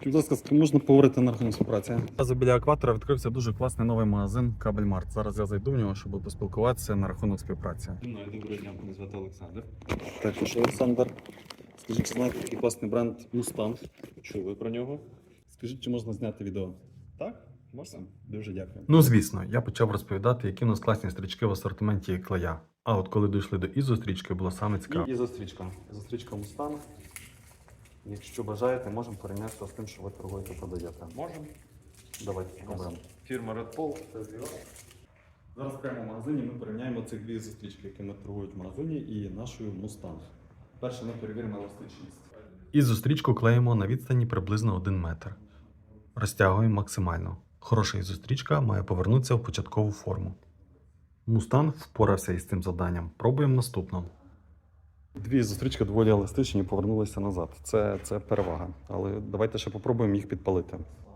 Скажіть, будь ласка, з ким можна поговорити на рахунок співпраці? Зараз біля екватора відкрився дуже класний новий магазин Кабельмарт. Зараз я зайду в нього, щоб поспілкуватися на рахунок співпраці. Доброго дня, мене звати Олександр. Також Олександр. Скажіть, чи знаєте такий класний бренд Mustang? Чули про нього? Скажіть, чи можна зняти відео? Так, можна. Дуже дякую. Ну, звісно, я почав розповідати, які у нас класні стрічки в асортименті клея. А от коли дійшли до ізострічки, було саме цікаво. І ізострічка. Ізострічка Mustang. Якщо бажаєте, можемо порівняти з тим, що ви торгуєте, продаєте. Можемо. Давайте спробуємо. Фірма Red Pole. Зараз прямо в магазині ми порівняємо цих дві ізострічки, які ми торгують в магазині, і нашою Mustang. Перше ми перевіримо еластичність. Ізострічку клеїмо на відстані приблизно 1 метр. Розтягуємо максимально. Хороша ізострічка має повернутися в початкову форму. Мустанг впорався із цим завданням. Пробуємо наступну. Дві зустрічки доволі еластичні, повернулися назад. Це перевага. Але давайте ще попробуємо їх підпалити.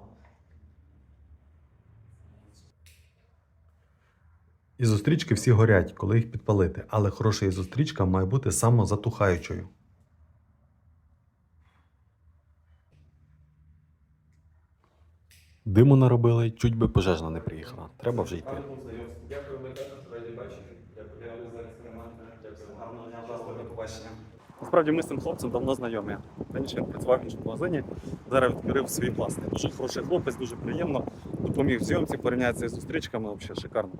Ізострічки всі горять, коли їх підпалити, але хороша ізострічка має бути самозатухаючою. Диму наробили, чуть би пожежна не приїхала. Треба вже йти. Дякую, ми також раді бачити. Дякую за експеримент. Гарного дня, до побачення. Насправді ми з цим хлопцем давно знайомі. Раніше він працював в іншому магазині, зараз відкрив свій власний. Дуже хороший хлопець, дуже приємно. Допоміг в зйомці, порівняється з зустрічками, взагалі шикарно.